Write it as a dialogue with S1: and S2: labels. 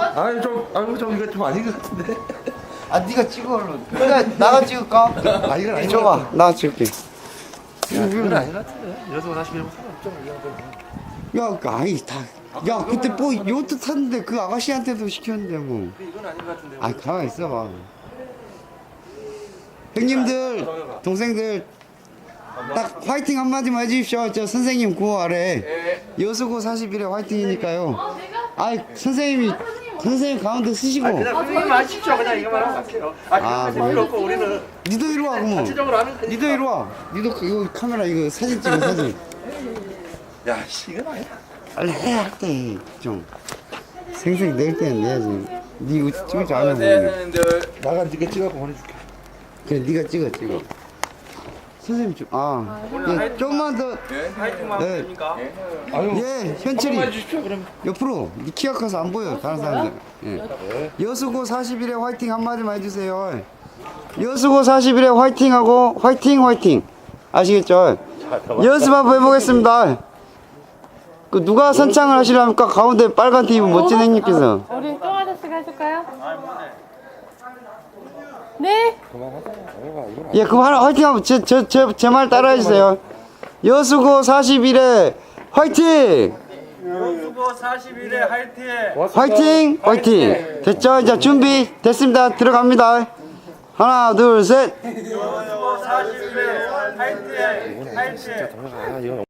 S1: 아니 좀 이거 좀 아닌 것 같은데.
S2: 아 네가 찍어 얼른. 나가 찍을까?
S1: 아 이건 아닌 것
S2: 줘봐.
S1: 같아.
S2: 나 찍을게.
S1: 야, 이건 아닌 것 같은데. 여기서 다시 밀면 상관없잖아 이 정도면.
S2: 야, 그 아이 다. 야, 그때 뭐 요트 탔는데 그 아가씨한테도 시켰는데 뭐.
S1: 이건 아닌 것 같은데.
S2: 아, 가만 있어봐. 형님들, 동생들, 딱 화이팅 한마디만 해주십시오. 저 선생님 구호 아래. 여수고 41에 화이팅이니까요. 아이, 선생님 가운데 쓰시고.
S1: 그냥 선생님 하십시오. 그냥 이거만 하면 할게요.
S2: 아,
S1: 그렇게 필요 없고 우리는
S2: 니도 이리 와, 그럼.
S1: 전체적으로 하는 거니까.
S2: 니도 이리 와. 니도 이거 카메라 이거 사진 찍어, 사진.
S1: 야, 씨, 이건 아니야.
S2: 빨리 해야 할 때, 좀. 생생 낼 때는 내야지. 니 이거 찍을 줄 아는 거야.
S1: 나가 네가 찍어서 보내줄게.
S2: 그래, 니가 찍어. 선생님 좀, 예, 조금만 더.
S3: 화이팅만
S2: 네.
S3: 하면 됩니까?
S1: 아유,
S2: 예, 현철이.
S1: 주십시오. 그럼.
S2: 옆으로. 니 키가 커서 안 보여, 다른 사람들. 예. 여수고 41에 화이팅 한마디만 해주세요. 여수고 41에 화이팅하고, 화이팅! 아시겠죠? 연습 한번 해보겠습니다. 그 누가 선창을 하시랍니까? 가운데 빨간 티 입은 멋진 형님께서.
S4: 우리 쫑 아저씨가 해줄까요? 네?
S2: 예, 그럼 하나 화이팅 한번 제 말 따라해 주세요. 여수고 41에 화이팅!
S3: 여수고 41에 화이팅!
S2: 화이팅! 됐죠? 이제 준비 됐습니다. 들어갑니다. 하나, 둘, 셋.
S3: 여수고 41에 화이팅!
S1: 아, 이건